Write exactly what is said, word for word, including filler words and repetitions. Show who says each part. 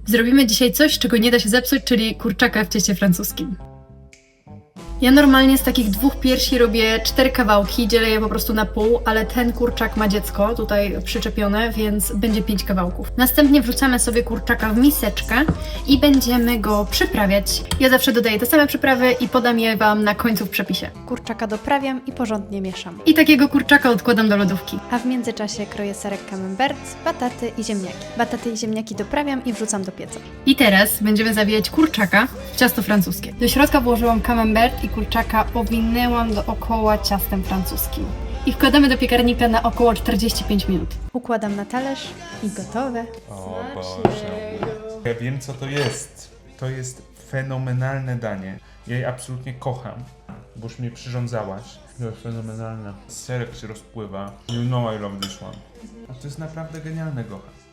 Speaker 1: Zrobimy dzisiaj coś, czego nie da się zepsuć, czyli kurczaka w cieście francuskim. Ja normalnie z takich dwóch piersi robię cztery kawałki, dzielę je po prostu na pół, ale ten kurczak ma dziecko tutaj przyczepione, więc będzie pięć kawałków. Następnie wrzucamy sobie kurczaka w miseczkę i będziemy go przyprawiać. Ja zawsze dodaję te same przyprawy i podam je Wam na końcu w przepisie.
Speaker 2: Kurczaka doprawiam i porządnie mieszam.
Speaker 1: I takiego kurczaka odkładam do lodówki.
Speaker 2: A w międzyczasie kroję serek camembert, bataty i ziemniaki. Bataty i ziemniaki doprawiam i wrzucam do pieca.
Speaker 1: I teraz będziemy zawijać kurczaka w ciasto francuskie. Do środka włożyłam camembert i kurczaka owinęłam dookoła ciastem francuskim. I wkładamy do piekarnika na około czterdzieści pięć minut.
Speaker 2: Układam na talerz i gotowe.
Speaker 3: O Boże. Ja wiem, co to jest. To jest fenomenalne danie. Ja je absolutnie kocham, bo już mnie przyrządzałaś. To jest fenomenalne. Serek się rozpływa. You know I love this one. A to jest naprawdę genialne, Gocha.